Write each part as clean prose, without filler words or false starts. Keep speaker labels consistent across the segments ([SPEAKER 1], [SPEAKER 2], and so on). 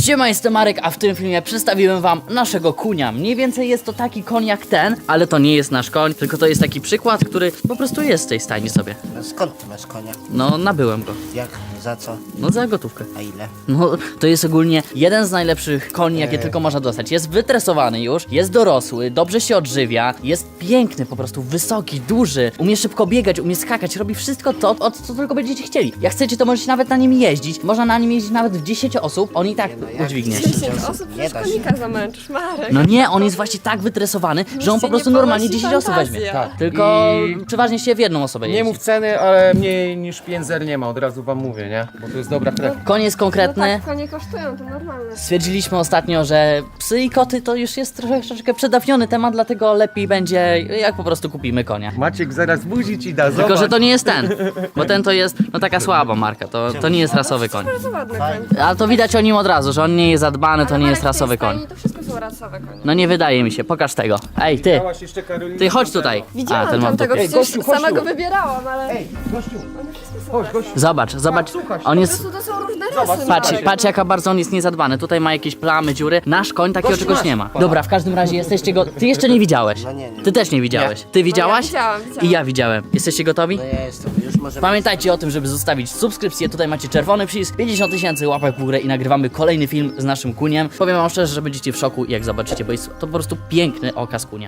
[SPEAKER 1] Siema, jestem Marek, a w tym filmie przedstawiłem wam naszego kunia. Mniej więcej jest to taki koń jak ten, ale to nie jest nasz koń, tylko to jest taki przykład, który po prostu jest w tej stajni sobie.
[SPEAKER 2] No skąd ty masz konia?
[SPEAKER 1] No, nabyłem go.
[SPEAKER 2] Jak? Za co?
[SPEAKER 1] No, za gotówkę.
[SPEAKER 2] A ile?
[SPEAKER 1] No, to jest ogólnie jeden z najlepszych koni, jakie tylko można dostać. Jest wytresowany już, jest dorosły, dobrze się odżywia, jest piękny, po prostu wysoki, duży, umie szybko biegać, umie skakać, robi wszystko to, o co tylko będziecie chcieli. Jak chcecie, to możecie nawet na nim jeździć. Można na nim jeździć nawet w 10 osób, on i tak udźwignie.
[SPEAKER 3] 10 osób
[SPEAKER 2] Nie
[SPEAKER 3] przecież
[SPEAKER 2] da się.
[SPEAKER 3] konika zamęczysz, Marek.
[SPEAKER 1] No nie, on jest właśnie tak wytresowany, że on po
[SPEAKER 3] się
[SPEAKER 1] prostu
[SPEAKER 3] nie
[SPEAKER 1] normalnie
[SPEAKER 3] ponosi
[SPEAKER 1] 10 osób weźmie.
[SPEAKER 3] fantazja.
[SPEAKER 4] Tak.
[SPEAKER 1] Tylko
[SPEAKER 4] I
[SPEAKER 1] przeważnie się w jedną osobę
[SPEAKER 4] nie
[SPEAKER 1] jeździ.
[SPEAKER 4] mów ceny, ale mniej niż 5 zer nie ma, od razu wam mówię, nie? Bo to jest dobra krew.
[SPEAKER 1] Koń jest
[SPEAKER 3] No
[SPEAKER 1] konkretny.
[SPEAKER 3] tak, konie kosztują, to normalne.
[SPEAKER 1] Stwierdziliśmy ostatnio, że psy i koty to już jest troszeczkę przedawniony temat, dlatego lepiej będzie, jak po prostu kupimy konia.
[SPEAKER 4] Maciek zaraz buzi ci da, zobacz.
[SPEAKER 1] Tylko, że to nie jest ten, bo ten to jest, no taka słaba marka, to nie jest rasowy koń.
[SPEAKER 3] Bardzo ładny koń.
[SPEAKER 1] Ale to widać o nim od razu, że on nie jest zadbany, to
[SPEAKER 3] Ale
[SPEAKER 1] nie jest
[SPEAKER 3] Marek, w tej
[SPEAKER 1] rasowy koń.
[SPEAKER 3] stajni to wszystko są rasowe konie.
[SPEAKER 1] No nie wydaje mi się, pokaż tego. Ej, ty,
[SPEAKER 4] Widziałaś jeszcze Karolinę
[SPEAKER 1] ty chodź
[SPEAKER 4] Tamtego?
[SPEAKER 1] tutaj.
[SPEAKER 3] Widziałam
[SPEAKER 1] ten ma w
[SPEAKER 3] tamtego,
[SPEAKER 1] dupie.
[SPEAKER 4] Ej,
[SPEAKER 3] przecież
[SPEAKER 4] gościu, chodź
[SPEAKER 3] sama
[SPEAKER 4] tu.
[SPEAKER 3] go wybierałam, ale
[SPEAKER 4] Ej, gościu,
[SPEAKER 3] one wszystko są
[SPEAKER 4] chodź,
[SPEAKER 3] rasowe.
[SPEAKER 4] gościu.
[SPEAKER 1] Zobacz,
[SPEAKER 4] słuchaj.
[SPEAKER 1] on
[SPEAKER 3] Po
[SPEAKER 1] jest...
[SPEAKER 3] prostu to są różne
[SPEAKER 4] Zobacz,
[SPEAKER 3] rasy,
[SPEAKER 1] Patrz,
[SPEAKER 3] Marek.
[SPEAKER 1] patrz jaka bardzo on jest niezadbany. Tutaj ma jakieś plamy, dziury. Nasz koń takiego
[SPEAKER 4] Gościu,
[SPEAKER 1] czegoś
[SPEAKER 4] masz.
[SPEAKER 1] nie ma. Dobra, w każdym razie jesteście go... Ty jeszcze nie widziałeś.
[SPEAKER 2] No nie.
[SPEAKER 1] Ty też nie widziałeś. Ty widziałaś?
[SPEAKER 3] widziałam.
[SPEAKER 1] I ja widziałem. Jesteście gotowi?
[SPEAKER 2] No ja jestem, już możemy...
[SPEAKER 1] Pamiętajcie o tym, żeby zostawić subskrypcję. Tutaj macie czerwony przycisk, 50 000 łapek w górę i nagrywamy kolejny film z naszym kuniem. Powiem wam szczerze, że będziecie w szoku, jak zobaczycie, bo jest to po prostu piękny okaz kunia.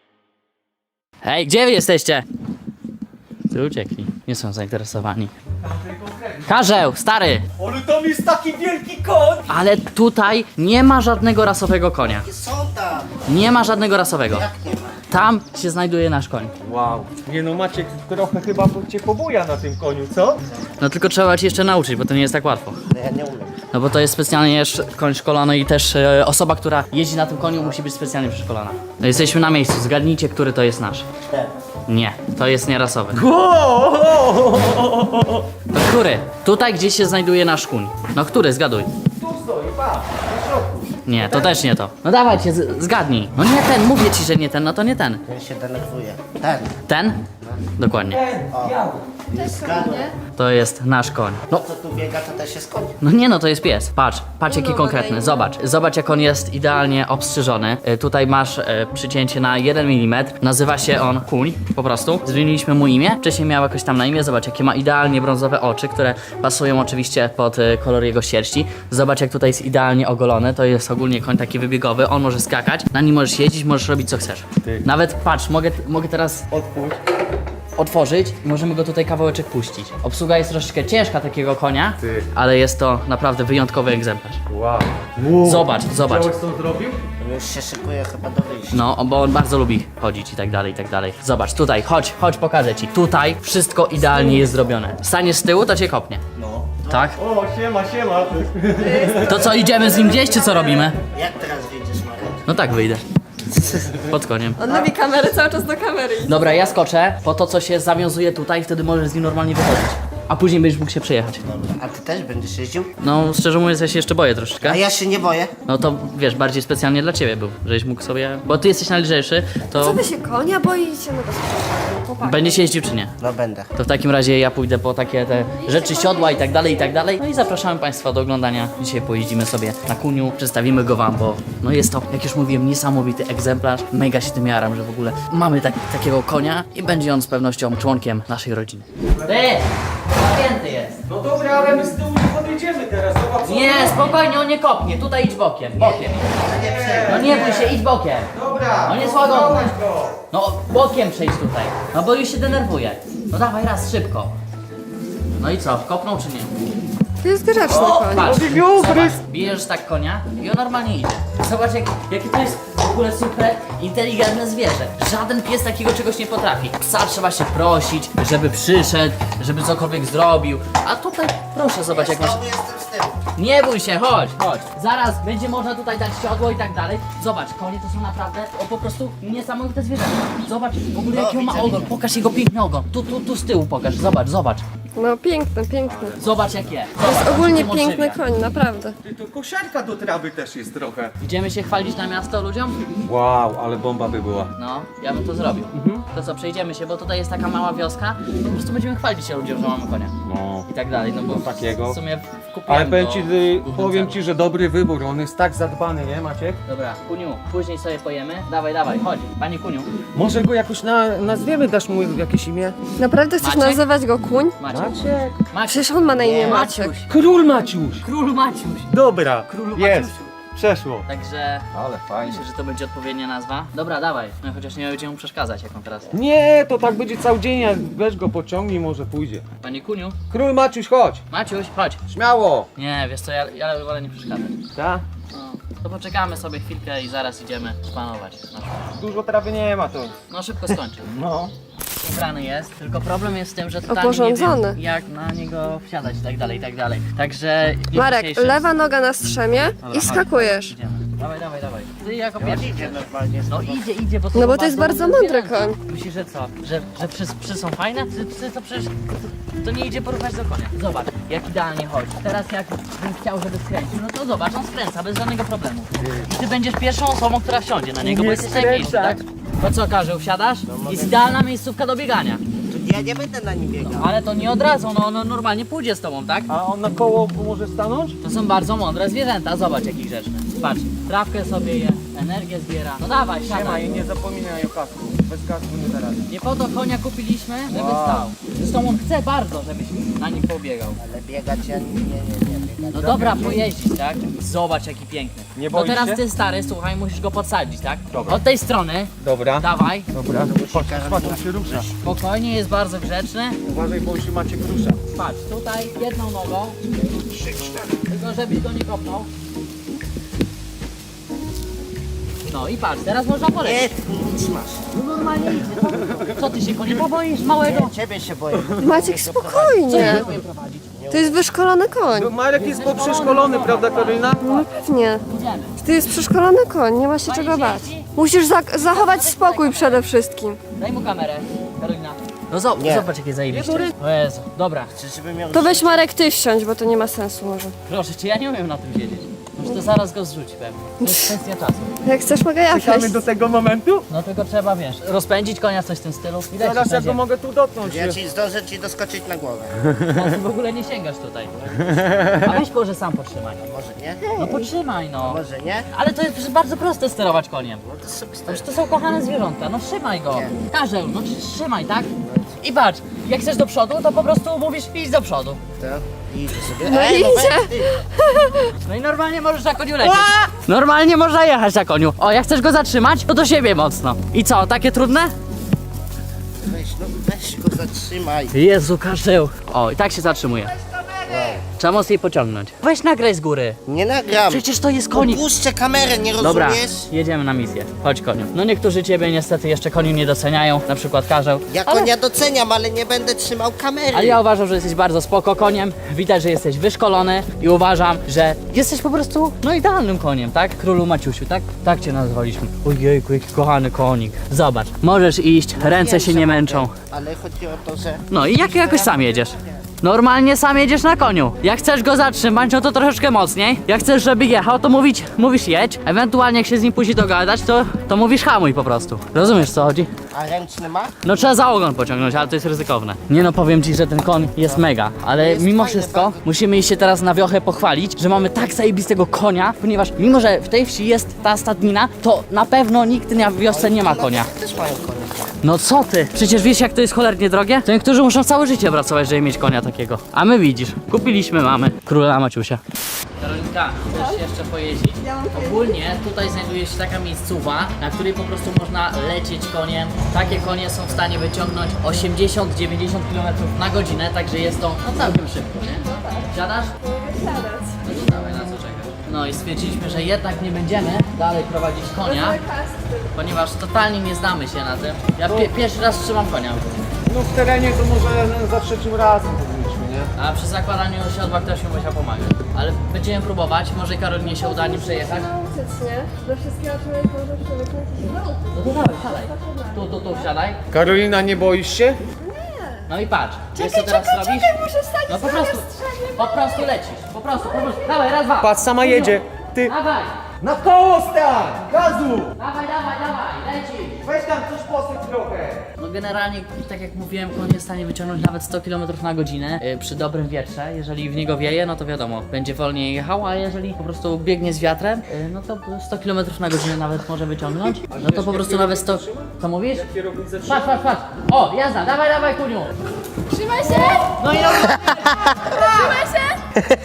[SPEAKER 1] Hej, gdzie wy jesteście? Ty uciekli. Nie są zainteresowani. Karzeł, stary!
[SPEAKER 4] Ale tam jest taki wielki koń!
[SPEAKER 1] Ale tutaj nie ma żadnego rasowego konia.
[SPEAKER 2] Są tam!
[SPEAKER 1] Nie ma żadnego rasowego.
[SPEAKER 2] Jak nie ma?
[SPEAKER 1] Tam się znajduje nasz koń.
[SPEAKER 4] Wow. Nie no, Maciek trochę chyba cię pobuja na tym koniu, co?
[SPEAKER 1] No tylko trzeba cię jeszcze nauczyć, bo to nie jest tak łatwo.
[SPEAKER 2] No ja nie umiem.
[SPEAKER 1] No bo to jest specjalnie koń szkolony i też osoba, która jeździ na tym koniu, musi być specjalnie przeszkolona. No jesteśmy na miejscu, zgadnijcie, który to jest nasz.
[SPEAKER 2] Ten.
[SPEAKER 1] Nie, to jest nierasowy. To który? Tutaj gdzieś się znajduje nasz kuń. No który, zgaduj.
[SPEAKER 4] Tu stoi, pa, na środku.
[SPEAKER 1] Nie, to też nie to. No dawajcie, zgadnij. No nie ten, mówię ci, że nie ten, no to nie ten.
[SPEAKER 2] Ten się denerwuje. Ten.
[SPEAKER 1] Ten? Dokładnie.
[SPEAKER 4] Biały.
[SPEAKER 2] Zgadłem.
[SPEAKER 1] To jest nasz koń. No,
[SPEAKER 2] Co tu biega, to też jest koń.
[SPEAKER 1] no nie no, to jest pies. Patrz jaki
[SPEAKER 3] No,
[SPEAKER 1] konkretny.
[SPEAKER 3] ładny.
[SPEAKER 1] Zobacz jak on jest idealnie obstrzyżony. Tutaj masz przycięcie na 1 mm. Nazywa się on kuń, po prostu. Zmieniliśmy mu imię. Wcześniej miał jakoś tam na imię. Zobacz jakie ma idealnie brązowe oczy, które pasują oczywiście pod kolor jego sierści. Zobacz jak tutaj jest idealnie ogolony. To jest ogólnie koń taki wybiegowy. On może skakać. Na nim możesz jeździć, możesz robić co chcesz.
[SPEAKER 4] Ty.
[SPEAKER 1] Nawet patrz, mogę teraz
[SPEAKER 4] Odpuść.
[SPEAKER 1] otworzyć i możemy go tutaj kawałeczek puścić. Obsługa jest troszeczkę ciężka takiego konia,
[SPEAKER 4] Ty.
[SPEAKER 1] ale jest to naprawdę wyjątkowy egzemplarz.
[SPEAKER 4] Wow.
[SPEAKER 1] Zobacz.
[SPEAKER 4] Widziałeś, co on zrobił?
[SPEAKER 2] On już się szykuje chyba do wyjścia.
[SPEAKER 1] No, bo on bardzo lubi chodzić i tak dalej, i tak dalej. Zobacz, tutaj, chodź, pokażę ci. Tutaj wszystko idealnie jest zrobione. Staniesz z tyłu, to cię kopnie.
[SPEAKER 4] No.
[SPEAKER 1] Tak?
[SPEAKER 4] O, siema.
[SPEAKER 1] To co, idziemy z nim gdzieś, czy co robimy?
[SPEAKER 2] Jak teraz wyjdziesz, Marek?
[SPEAKER 1] No tak, wyjdę. Pod koniem.
[SPEAKER 3] On lubi kamerę, cały czas do kamery idzie.
[SPEAKER 1] Dobra, ja skoczę po to, co się zawiązuje tutaj, wtedy możesz z nim normalnie wychodzić. A później będziesz mógł się przejechać.
[SPEAKER 2] Dobra. A ty też będziesz jeździł?
[SPEAKER 1] No, szczerze mówiąc, ja się jeszcze boję troszeczkę.
[SPEAKER 2] A ja się nie boję.
[SPEAKER 1] No to wiesz, bardziej specjalnie dla ciebie był, żebyś mógł sobie. Bo ty jesteś najlżejszy,
[SPEAKER 3] Co
[SPEAKER 1] to
[SPEAKER 3] wy się konia boicie? No bez przesady, chłopaki.
[SPEAKER 1] będziesz jeździł czy nie?
[SPEAKER 2] No będę.
[SPEAKER 1] To w takim razie ja pójdę po takie te rzeczy, siodła i tak dalej, i tak dalej. No i zapraszamy Państwa do oglądania. Dzisiaj pojeździmy sobie na kuniu, przedstawimy go Wam, bo no jest to, jak już mówiłem, niesamowity egzemplarz. Mega się tym jaram, że w ogóle mamy takiego konia i będzie on z pewnością członkiem naszej rodziny. Ty! Zapięty jest!
[SPEAKER 4] No dobra, ale my z tyłu nie podjedziemy teraz, zobacz.
[SPEAKER 1] Nie, spokojnie, on nie kopnie. Tutaj idź bokiem, bokiem. No nie bój się, idź bokiem.
[SPEAKER 4] Dobra.
[SPEAKER 1] On jest
[SPEAKER 4] no
[SPEAKER 1] łagodny.
[SPEAKER 4] dawaj go.
[SPEAKER 1] No bokiem przejdź tutaj. No bo już się denerwuje. No dawaj raz, szybko. No i co, kopnął czy nie?
[SPEAKER 3] To jest grzeczny koń.
[SPEAKER 1] Patrz,
[SPEAKER 4] Ugryz.
[SPEAKER 1] zobacz, bijesz tak konia i on normalnie idzie. Zobacz jakie to jest w ogóle super inteligentne zwierzę. Żaden pies takiego czegoś nie potrafi. Psa trzeba się prosić, żeby przyszedł, żeby cokolwiek zrobił. A tutaj proszę, zobacz jak masz...
[SPEAKER 2] Znowu jestem z tyłu.
[SPEAKER 1] Nie bój się, chodź. Zaraz będzie można tutaj dać siodło i tak dalej. Zobacz, konie to są naprawdę po prostu niesamowite zwierzęta. Zobacz w ogóle jaki on ma
[SPEAKER 2] widzę,
[SPEAKER 1] ogon.
[SPEAKER 2] widzę.
[SPEAKER 1] Pokaż jego piękny ogon. Tu z tyłu pokaż. Zobacz.
[SPEAKER 3] No piękny, piękny.
[SPEAKER 1] Zobacz jak jest.
[SPEAKER 3] To jest
[SPEAKER 1] Zobacz,
[SPEAKER 3] ogólnie
[SPEAKER 1] jak się
[SPEAKER 3] piękny
[SPEAKER 1] odżywia.
[SPEAKER 3] koń, naprawdę.
[SPEAKER 4] Ty, to kosiarka do trawy też jest trochę.
[SPEAKER 1] Idziemy się chwalić na miasto ludziom?
[SPEAKER 4] Wow, ale bomba by była.
[SPEAKER 1] No, ja bym to zrobił. To co, przejdziemy się, bo tutaj jest taka mała wioska. Po prostu będziemy chwalić się ludziom, że mamy konia.
[SPEAKER 4] No.
[SPEAKER 1] I tak dalej, no bo
[SPEAKER 4] takiego.
[SPEAKER 1] w sumie kupujemy
[SPEAKER 4] Ale powiem ci, że dobry wybór, on jest tak zadbany, nie Maciek?
[SPEAKER 1] Dobra, Kuniu, później sobie pojemy. Dawaj, dawaj, chodź. Panie Kuniu.
[SPEAKER 4] Może go jakoś nazwiemy, dasz mu jakieś imię?
[SPEAKER 3] Naprawdę chcesz
[SPEAKER 1] Maciek?
[SPEAKER 3] nazywać go kuń?
[SPEAKER 1] Maciek.
[SPEAKER 4] Maciek.
[SPEAKER 3] Przecież on ma na imię Maciek.
[SPEAKER 1] Maciuś.
[SPEAKER 4] Król Maciuś!
[SPEAKER 1] Król Maciuś.
[SPEAKER 4] Dobra,
[SPEAKER 1] Królu
[SPEAKER 4] jest,
[SPEAKER 1] Maciusiu.
[SPEAKER 4] przeszło.
[SPEAKER 1] Także
[SPEAKER 4] Ale fajnie.
[SPEAKER 1] myślę, że to będzie odpowiednia nazwa. Dobra, dawaj. No chociaż nie będziemy mu przeszkadzać, jak on teraz.
[SPEAKER 4] Nie, to tak będzie cały dzień, jak weź go pociągnij, może pójdzie.
[SPEAKER 1] Panie Kuniu.
[SPEAKER 4] Król Maciuś, chodź!
[SPEAKER 1] Maciuś, chodź.
[SPEAKER 4] Śmiało!
[SPEAKER 1] Nie, wiesz co, ja wolę nie przeszkadzać.
[SPEAKER 4] Tak?
[SPEAKER 1] No, to poczekamy sobie chwilkę i zaraz idziemy spanować.
[SPEAKER 4] Dużo trawy nie ma to.
[SPEAKER 1] No szybko skończy.
[SPEAKER 4] No.
[SPEAKER 1] Ubrany jest, tylko problem jest z tym, że totalnie nie
[SPEAKER 3] Oporządzony.
[SPEAKER 1] wiem, jak na niego wsiadać i tak dalej, i tak dalej. Także... w
[SPEAKER 3] Marek,
[SPEAKER 1] dzisiejszym-
[SPEAKER 3] lewa noga na strzemie
[SPEAKER 1] Dobra,
[SPEAKER 3] i
[SPEAKER 1] chodź,
[SPEAKER 3] skakujesz.
[SPEAKER 1] Idziemy. Dawaj, dawaj, dawaj. Ty jako pierwszy. Idzie normalnie. No idzie, bo to
[SPEAKER 3] No
[SPEAKER 1] są
[SPEAKER 3] bo to jest bardzo mądry
[SPEAKER 1] zwierzęta.
[SPEAKER 3] koń.
[SPEAKER 1] Myślisz, że co? Że psy są fajne? Psy to przecież... To nie idzie porównać do konia. Zobacz, jak idealnie chodzi. Teraz jak bym chciał, żeby skręcił, no to zobacz, on skręca bez żadnego problemu. I ty będziesz pierwszą osobą, która wsiądzie na niego, bo
[SPEAKER 4] Nie
[SPEAKER 1] jesteś najmniejszy, tak? To co, Karzeł, wsiadasz? Jest idealna miejscówka do biegania.
[SPEAKER 2] Ja nie będę na nim biegał.
[SPEAKER 1] Ale to nie od razu, no ono normalnie pójdzie z tobą, tak?
[SPEAKER 4] A on na koło może stanąć?
[SPEAKER 1] To są bardzo mądre zwierzęta, zobacz jaki grzeczny. Patrz, trawkę sobie je, energię zbiera. No dawaj,
[SPEAKER 4] Siema
[SPEAKER 1] siadaj.
[SPEAKER 4] i nie zapominaj o kasku. Bez kasku nie da rady.
[SPEAKER 1] Nie po to konia kupiliśmy, żeby
[SPEAKER 4] Wow.
[SPEAKER 1] stał. Zresztą on chce bardzo, żebyś na nim pobiegał.
[SPEAKER 2] Ale biegać ja nie biegać.
[SPEAKER 1] No dobra, pojeździć, tak? Zobacz jaki piękny.
[SPEAKER 4] Nie
[SPEAKER 1] No
[SPEAKER 4] boisz
[SPEAKER 1] teraz
[SPEAKER 4] się?
[SPEAKER 1] ty stary, słuchaj, musisz go podsadzić, tak?
[SPEAKER 4] Dobra.
[SPEAKER 1] Od tej strony,
[SPEAKER 4] Dobra.
[SPEAKER 1] dawaj.
[SPEAKER 4] Dobra. Patrz, on się rusza.
[SPEAKER 1] Spokojnie, jest bardzo grzeczny.
[SPEAKER 4] Uważaj, bo on się Maciek rusza.
[SPEAKER 1] Patrz, tutaj jedną nogą. Tylko żebyś go nie kopnął. No i patrz, teraz można polecieć.
[SPEAKER 2] Nie, nic masz.
[SPEAKER 1] No normalnie idzie. Co ty się go nie poboisz małego?
[SPEAKER 2] Nie, ciebie się boję.
[SPEAKER 3] Maciek, spokojnie.
[SPEAKER 1] Umiem prowadzić.
[SPEAKER 3] To jest wyszkolony koń.
[SPEAKER 4] No, Marek jest poprzeszkolony, prawda Karolina?
[SPEAKER 3] No pewnie.
[SPEAKER 1] Idziemy.
[SPEAKER 3] To jest przeszkolony koń, nie ma się czego bać. Musisz zachować spokój przede wszystkim.
[SPEAKER 1] Daj mu kamerę, Karolina. No
[SPEAKER 2] Nie.
[SPEAKER 1] zobacz jakie zajebiście. O Jezu, dobra.
[SPEAKER 2] Żeby miał...
[SPEAKER 3] To weź Marek ty wsiądź, bo to nie ma sensu może.
[SPEAKER 1] Proszę cię, ja nie umiem na tym siedzieć. Może to zaraz go zrzuci pewnie. To jest kwestia czasu.
[SPEAKER 3] Jak chcesz, mogę ja
[SPEAKER 4] Czekamy
[SPEAKER 3] wejść.
[SPEAKER 4] do tego momentu?
[SPEAKER 1] No tylko trzeba, wiesz, rozpędzić konia, coś w tym stylu. I lecisz
[SPEAKER 4] Zaraz
[SPEAKER 1] na
[SPEAKER 4] ja go
[SPEAKER 1] ziemię.
[SPEAKER 4] mogę tu dotknąć.
[SPEAKER 2] Ja ci zdążę ci doskoczyć na głowę.
[SPEAKER 1] No, ty w ogóle nie sięgasz tutaj. A weź może sam potrzymaj.
[SPEAKER 2] Może nie?
[SPEAKER 1] No potrzymaj no.
[SPEAKER 2] Może nie?
[SPEAKER 1] Ale to jest przecież bardzo proste sterować koniem.
[SPEAKER 2] No to sobie
[SPEAKER 1] Przecież to są kochane zwierzątka, no trzymaj go.
[SPEAKER 2] Nie.
[SPEAKER 1] Karzeł, no trzymaj, tak? I patrz, jak chcesz do przodu, to po prostu mówisz idź do przodu.
[SPEAKER 2] to idzie sobie.
[SPEAKER 3] No
[SPEAKER 2] Ej,
[SPEAKER 3] idzie.
[SPEAKER 2] weź ty.
[SPEAKER 1] No i normalnie możesz na koniu lecieć. Normalnie można jechać na koniu. O, jak chcesz go zatrzymać, to do siebie mocno. I co, takie trudne?
[SPEAKER 2] Weź go zatrzymaj.
[SPEAKER 1] Jezu, Karzeł. O, i tak się zatrzymuje. Trzeba mocniej pociągnąć. Weź nagraj z góry.
[SPEAKER 2] Nie nagram.
[SPEAKER 1] Przecież to jest konik.
[SPEAKER 2] Puszczę kamerę, nie
[SPEAKER 1] Dobra,
[SPEAKER 2] rozumiesz?
[SPEAKER 1] jedziemy na misję. Chodź koniu. No niektórzy ciebie niestety jeszcze koniu nie doceniają, na przykład Karzeł.
[SPEAKER 2] Ja konia doceniam, ale nie będę trzymał kamery.
[SPEAKER 1] Ale ja uważam, że jesteś bardzo spoko koniem. Widać, że jesteś wyszkolony i uważam, że jesteś po prostu no idealnym koniem, tak? Królu Maciusiu, tak? Tak cię nazwaliśmy. Ojejku, jaki kochany konik. Zobacz, możesz iść, ręce
[SPEAKER 2] Wiem,
[SPEAKER 1] się
[SPEAKER 2] że
[SPEAKER 1] nie
[SPEAKER 2] mogę,
[SPEAKER 1] męczą.
[SPEAKER 2] Ale chodzi o to, że...
[SPEAKER 1] No i jakoś sam jedziesz. Normalnie sam jedziesz na koniu. Jak chcesz go zatrzymać, no to troszeczkę mocniej. Jak chcesz, żeby jechał, to mówisz jedź. Ewentualnie jak się z nim później dogadać, to mówisz hamuj po prostu. Rozumiesz co chodzi?
[SPEAKER 2] A ręczny ma?
[SPEAKER 1] No trzeba za ogon pociągnąć, ale to jest ryzykowne. Nie no, powiem ci, że ten koń jest mega, ale
[SPEAKER 2] Jest
[SPEAKER 1] mimo
[SPEAKER 2] fajny,
[SPEAKER 1] wszystko
[SPEAKER 2] bardzo.
[SPEAKER 1] musimy iść się teraz na wiochę pochwalić, że mamy tak zajebistego konia, ponieważ mimo, że w tej wsi jest ta stadnina, to na pewno nikt na wiosce nie ma konia.
[SPEAKER 2] Też mają konia.
[SPEAKER 1] No co ty? Przecież wiesz jak to jest cholernie drogie? To niektórzy muszą całe życie pracować, żeby mieć konia takiego. A my widzisz, kupiliśmy mamy króla Maciusia. Karolinka, chcesz jeszcze pojeździć? Ogólnie tutaj znajduje się taka miejscowa, na której po prostu można lecieć koniem. Takie konie są w stanie wyciągnąć 80-90 km na godzinę, także jest to no całkiem szybko, nie? Siadasz? No to dawaj, na co czekasz? No i stwierdziliśmy, że jednak nie będziemy dalej prowadzić konia, ponieważ totalnie nie znamy się na tym. Ja pierwszy raz trzymam konia.
[SPEAKER 4] No w terenie to może za trzecim razem powinniśmy, nie?
[SPEAKER 1] A przy zakładaniu siodła ktoś mi musiał pomagać. Ale będziemy próbować, może Karolinie się uda nim przejechać.
[SPEAKER 3] Nauczyć, nie? Do wszystkiego człowiek może przywyknąć i się nauczyć.
[SPEAKER 1] No to dawaj, siadaj. Tu wsiadaj.
[SPEAKER 4] Karolina, nie boisz się?
[SPEAKER 1] No i patrz, wiesz co teraz robisz?
[SPEAKER 3] muszę stać
[SPEAKER 1] No po prostu lecisz, po prostu. Dawaj, raz, dwa.
[SPEAKER 4] Patrz, sama jedzie. Ty
[SPEAKER 1] Dawaj,
[SPEAKER 4] na koło stań! Gazu!
[SPEAKER 1] dawaj, lecisz.
[SPEAKER 4] Weź tam coś posyp trochę.
[SPEAKER 1] No No generalnie, tak jak mówiłem, koń jest w stanie wyciągnąć nawet 100 km na godzinę przy dobrym wietrze. Jeżeli w niego wieje, no to wiadomo, będzie wolniej jechał, a jeżeli po prostu biegnie z wiatrem, no to 100 km na godzinę nawet może wyciągnąć. No to po prostu nawet 100... Co mówisz? Patrz, patrz, patrz! O, jazda, dawaj, dawaj, kuniu!
[SPEAKER 3] Trzymaj się!
[SPEAKER 1] No i
[SPEAKER 3] Trzymaj się!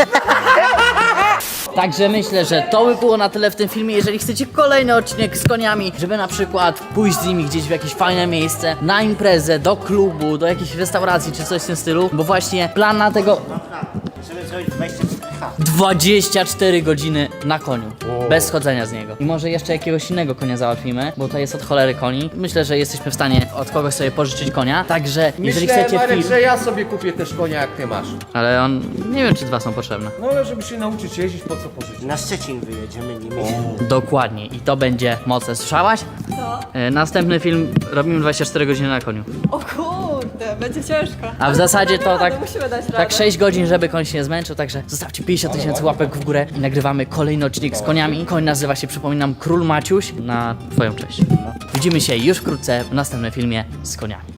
[SPEAKER 1] Także myślę, że to by było na tyle w tym filmie. Jeżeli chcecie kolejny odcinek z koniami, żeby na przykład pójść z nimi gdzieś w jakieś fajne miejsce, na imprezę, do klubu, do jakiejś restauracji czy coś w tym stylu, bo właśnie plan na tego...
[SPEAKER 2] Żeby zrobić 24H.
[SPEAKER 1] 24 godziny na koniu, bez schodzenia z niego. I może jeszcze jakiegoś innego konia załatwimy, bo to jest od cholery koni. Myślę, że jesteśmy w stanie od kogoś sobie pożyczyć konia, także jeżeli
[SPEAKER 4] Myślę,
[SPEAKER 1] chcecie
[SPEAKER 4] Marek,
[SPEAKER 1] film...
[SPEAKER 4] że ja sobie kupię też konia jak ty masz.
[SPEAKER 1] Ale on... nie wiem, czy 2 są potrzebne.
[SPEAKER 4] No ale żeby się nauczyć jeździć, po co pożyczyć?
[SPEAKER 2] Na Szczecin wyjedziemy nimi.
[SPEAKER 1] Dokładnie i to będzie mocne. Słyszałaś?
[SPEAKER 3] Co?
[SPEAKER 1] Następny film robimy 24 godziny na koniu.
[SPEAKER 3] O kurde, będzie ciężko.
[SPEAKER 1] A w zasadzie to tak,
[SPEAKER 3] Musimy dać radę.
[SPEAKER 1] tak 6 godzin, żeby koń się nie zmęczył, także zostawcie 50 000 łapek w górę i nagrywamy kolejny odcinek z koniami. Koń nazywa się, przypominam, Król Maciuś na twoją cześć. Widzimy się już wkrótce w następnym filmie z koniami.